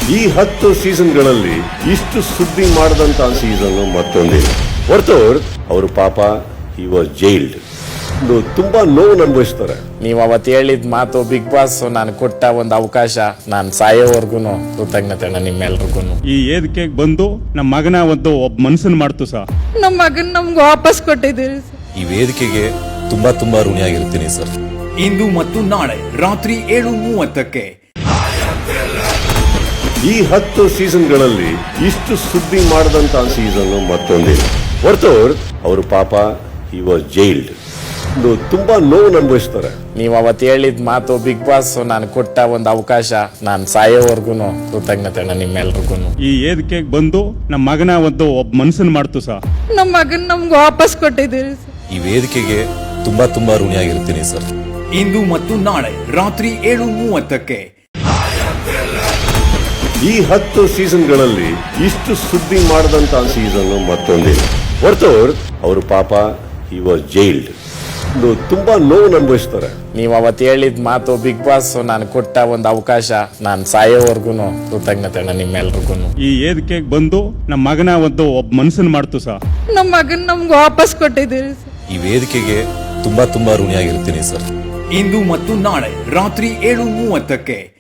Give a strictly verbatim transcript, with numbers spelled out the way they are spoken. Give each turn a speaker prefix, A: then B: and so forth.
A: ಈ ಹತ್ತು ಸೀಸನ್ಗಳಲ್ಲಿ ಇಷ್ಟು ಸುದ್ದಿ ಮಾಡದಂತ ಸೀಸನ್ ಮತ್ತೊಂದಿಲ್ಲ. ಹೊರತವ್ರು ಅವರು ಪಾಪ ಹಿ ವಾಸ್ ಜೈಲ್ಡ್. ತುಂಬಾ ನೋವು ಅನುಭವಿಸ್ತಾರೆ.
B: ನೀವು ಅವತ್ತು ಹೇಳಿದ ಮಾತು ಬಿಗ್ ಬಾಸ್ ನಾನು ಕೊಟ್ಟ ಒಂದು ಅವಕಾಶ, ನಾನು ಸಾಯೋವರ್ಗು ಕೃತಜ್ಞತೆ ನಿಮ್ಮೆಲ್ರಿಗೂ.
C: ಈ ವೇದಿಕೆಗೆ ಬಂದು ನಮ್ಮ ಮಗನ ಒಂದು ಒಬ್ಬ ಮನ್ಸನ್ ಮಾಡ್ತು ಸರ್.
D: ನಮ್ಮ ಮಗನ್ ನಮ್ಗೆ ವಾಪಸ್ ಕೊಟ್ಟಿದ್ದೀರಿ ಸರ್.
E: ಈ ವೇದಿಕೆಗೆ ತುಂಬಾ ತುಂಬಾ ಋಣಿಯಾಗಿರ್ತೀನಿ ಸರ್.
F: ಇಂದು ಮತ್ತು ನಾಳೆ ರಾತ್ರಿ ಏಳು ಮೂವತ್ತಕ್ಕೆ
A: ಈ ಹತ್ತು ಸೀಸನ್ಗಳಲ್ಲಿ ಇಷ್ಟು ಸುದ್ದಿ ಮಾಡದಂತ ಸೀಸನ್ ಮತ್ತೊಂದಿಲ್ಲ. ಹೊರತವ್ರು ಅವರು ಪಾಪ ಹಿ ವಾಸ್ ಜೈಲ್ಡ್. ತುಂಬಾ ನೋವು ಅನುಭವಿಸ್ತಾರೆ.
B: ನೀವು ಅವತ್ತು ಹೇಳಿದ ಮಾತು ಬಿಗ್ ಬಾಸ್ ನಾನು ಕೊಟ್ಟ ಒಂದು ಅವಕಾಶ, ನಾನು ಸಾಯೋವರ್ಗು ಕೃತಜ್ಞತೆ ನಿಮ್ಮೆಲ್ರಿಗೂ.
C: ಈ ವೇದಿಕೆಗೆ ಬಂದು ನಮ್ಮ ಮಗನ ಒಂದು ಒಬ್ಬ ಮನ್ಸನ್ ಮಾಡ್ತು ಸರ್.
D: ನಮ್ಮ ಮಗನ್ ನಮ್ಗೆ ವಾಪಸ್ ಕೊಟ್ಟಿದ್ದೀರಿ ಸರ್.
E: ಈ ವೇದಿಕೆಗೆ ತುಂಬಾ ತುಂಬಾ ಋಣಿಯಾಗಿರ್ತೀನಿ ಸರ್.
F: ಇಂದು ಮತ್ತು ನಾಳೆ ರಾತ್ರಿ ಏಳು ಮೂವತ್ತಕ್ಕೆ
A: ಈ ಹತ್ತು ಸೀಸನ್ಗಳಲ್ಲಿ ಇಷ್ಟು ಸುದ್ದಿ ಮಾಡದಂತ ಸೀಸನ್ ಮತ್ತೊಂದಿಲ್ಲ. ಹೊರತವ್ರು ಅವರು ಪಾಪ ಹಿ ವಾಸ್ ಜೈಲ್ಡ್. ತುಂಬಾ ನೋವು ಅನುಭವಿಸ್ತಾರೆ.
B: ನೀವು ಅವತ್ತು ಹೇಳಿದ ಮಾತು ಬಿಗ್ ಬಾಸ್ ನಾನು ಕೊಟ್ಟ ಒಂದು ಅವಕಾಶ, ನಾನು ಸಾಯೋವರ್ಗು ಕೃತಜ್ಞತೆ ನಿಮ್ಮೆಲ್ರಿಗೂ.
C: ಈ ವೇದಿಕೆಗೆ ಬಂದು ನಮ್ಮ ಮಗನ ಒಂದು ಒಬ್ಬ ಮನ್ಸನ್ ಮಾಡ್ತು ಸರ್.
D: ನಮ್ಮ ಮಗನ್ ನಮ್ಗೆ ವಾಪಸ್ ಕೊಟ್ಟಿದ್ದೀರಿ ಸರ್.
E: ಈ ವೇದಿಕೆಗೆ ತುಂಬಾ ತುಂಬಾ ಋಣಿಯಾಗಿರ್ತೀನಿ ಸರ್.
F: ಇಂದು ಮತ್ತು ನಾಳೆ ರಾತ್ರಿ ಏಳು ಮೂವತ್ತಕ್ಕೆ